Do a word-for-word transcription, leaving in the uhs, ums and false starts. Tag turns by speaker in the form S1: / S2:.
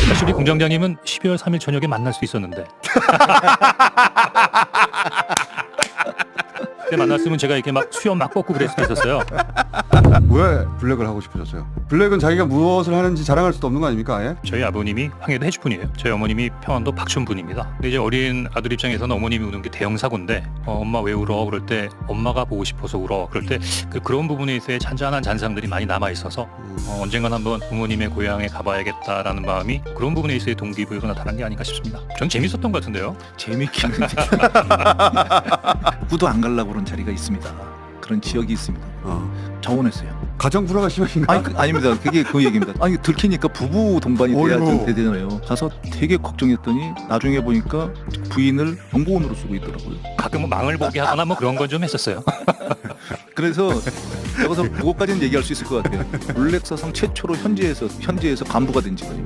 S1: 사실 우리 공장장님은 십이월 삼일 저녁에 만날 수 있었는데 그때 만났으면 제가 이렇게 막 수염 막 뻗고 그랬을 수 있었어요.
S2: 왜 블랙을 하고 싶으셨어요? 블랙은 자기가 무엇을 하는지 자랑할 수도 없는 거 아닙니까? 아예?
S1: 저희 아버님이 황해도 해주분이에요. 저희 어머님이 평안도 박춘분입니다. 근데 이제 어린 아들 입장에서는 어머님이 우는 게 대형 사고인데 어, 엄마 왜 울어? 그럴 때 엄마가 보고 싶어서 울어. 그럴 때 그, 그런 부분에 있어의 잔잔한 잔상들이 많이 남아 있어서 어, 언젠간 한번 부모님의 고향에 가봐야겠다라는 마음이 그런 부분에 있어의 동기부여로 나타난 게 아닌가 싶습니다. 전 재밌었던 것 같은데요.
S3: 재밌긴 한데 누구도 안 가려고 그런 자리가 있습니다. 그런 지역이 있습니다.
S2: 어.
S3: 정원했어요.
S2: 가정 불화가 심하신가?
S3: 아니 그, 아닙니다. 그게 그 얘기입니다. 아니 들키니까 부부 동반이 돼야
S2: 어이구.
S3: 되잖아요. 가서 되게 걱정했더니 나중에 보니까 부인을 정보원으로 쓰고 있더라고요.
S1: 가끔은 망을 보게 하거나 뭐 그런 건 좀 했었어요.
S3: 그래서 여기서 그것까지는 얘기할 수 있을 것 같아요. 롤렉사상 최초로 현지에서 현지에서 간부가 된 직원입니다.